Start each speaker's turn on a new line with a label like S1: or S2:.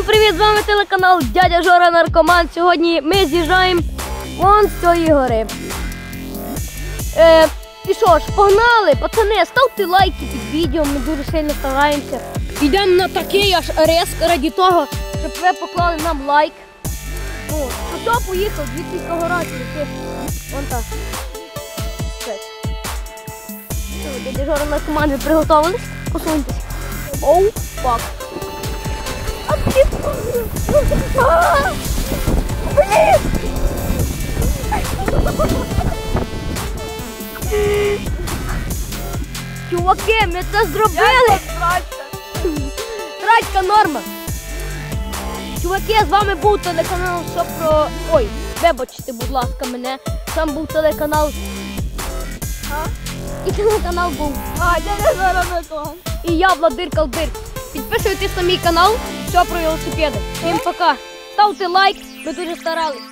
S1: Всім привіт! З вами телеканал Дядя Жора Наркоман. Сьогодні ми з'їжджаємо вон з цієї гори. І що ж, погнали! Пацани, ставте лайки під відео, ми дуже сильно стараємося. Йдемо на такий аж риск раді того, щоб ви поклали нам лайк. Ну, хто поїхав, звідти гора летить. Вон так. Дядя Жора Наркоман, ви приготовились? Посуньтесь. Оу, фак. Чуваки, ми це зробили! Трачка норма! Чуваки, з вами був телеканал «Що про...» Ой, вибачте, будь ласка, мене. Там був телеканал... І телеканал був... Дядя Жора Наркоман. І я, Владир Калдир. Підписуйтесь на мій канал «Що про велосипеди». Всім пока. Ставте лайк, ми дуже старались.